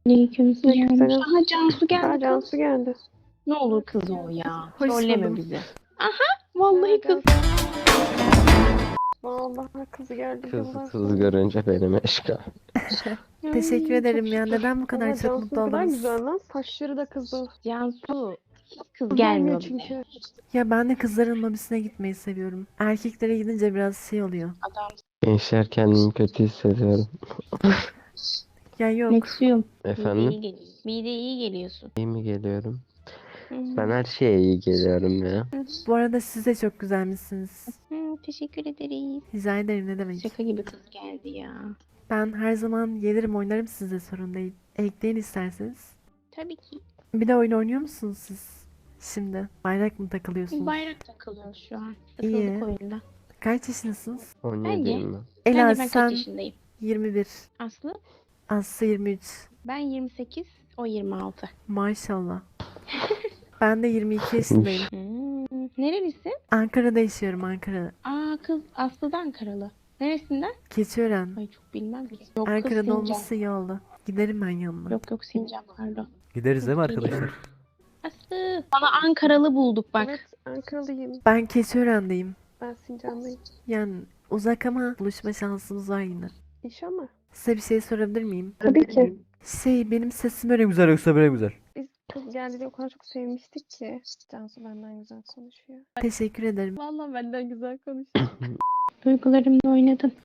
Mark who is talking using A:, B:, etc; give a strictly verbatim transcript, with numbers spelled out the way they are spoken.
A: Aleykümselam.
B: Aleykümselam.
A: Aha Cansu geldi.
B: Aa,
A: kız.
B: Cansu geldi.
A: Ne olur kız o ya.
C: Hoş
A: Trolleme
C: buldum.
A: bizi. Vallahi kız.
B: Vallahi kızı geldi.
D: Kız
B: yıllar
D: kız
B: sonra.
D: görünce benim eşka.
C: Teşekkür
A: Ay,
C: ederim
A: çok
C: ya.
A: şükür.
C: Neden bu kadar
B: Ama
C: çok
B: Cansu
C: mutlu
B: ne kadar
C: oldunuz?
B: güzel lan. Saçları da kızıl.
A: Cansu. Kız
B: Gelmiyor
A: gelmiyor bize.
B: çünkü.
C: Ya ben de kızların lobisine gitmeyi seviyorum. Erkeklere gidince biraz şey oluyor.
A: Adam.
D: Gençler kendimi kötü hissediyorum.
C: Ya yok.
A: Meksiyum. Mide
D: Efendim?
A: iyi geliyor. Mide iyi geliyorsun.
D: İyi mi geliyorum?
A: Hı.
D: Ben her şeye iyi geliyorum ya.
C: Bu arada siz de çok güzelmişsiniz.
A: Hı, teşekkür ederiz.
C: Rica ederim, ne demek.
A: Şaka gibi kız geldi ya.
C: Ben her zaman gelirim oynarım, size sorun değil. Ekleyin isterseniz.
A: Tabii ki.
C: Bir de oyun oynuyor musunuz siz? Şimdi bayrak mı takılıyorsunuz?
A: Bayrak takılıyoruz şu an.
C: İyi.
A: Takıldık oyunda.
C: Kaç yaşındasınız?
D: on
A: Bence-
D: yediyim ben.
C: Ela
A: Bence ben
C: sen
A: kaç yaşındayım?
C: yirmi bir.
A: Aslı
C: Aslı yirmi üç.
A: ben yirmi sekiz, o yirmi altı.
C: Maşallah. Ben de yirmi iki yaşındayım.
A: Hmm, nerelisin?
C: Ankara'da yaşıyorum, Ankara.
A: Aa kız Aslı'dan Ankaralı. Neresinden?
C: Keçiören.
A: Ay çok bilmem ki. Yok kız
C: Ankara'da
A: Sincan.
C: olması iyi oldu. Giderim ben yanına.
A: Yok yok Sincan pardon.
E: Gideriz değil mi arkadaşlar?
A: Aslı. Sana Ankaralı bulduk bak.
B: Evet, Ankaralıyım.
C: Ben Keçiören'deyim.
B: Ben Sincanlıyım.
C: Yani uzak ama buluşma şansımız var yine.
B: İnşallah.
C: Size bir şey sorabilir miyim?
B: Tabii ki.
C: Şey, benim sesim
E: Böyle güzel yoksa böyle güzel.
B: Biz kız geldiğinde o kadar çok sevmiştik ki. Cansu benden güzel konuşuyor.
C: teşekkür ederim.
B: Vallahi benden güzel konuşuyor.
A: Duygularımla oynadın.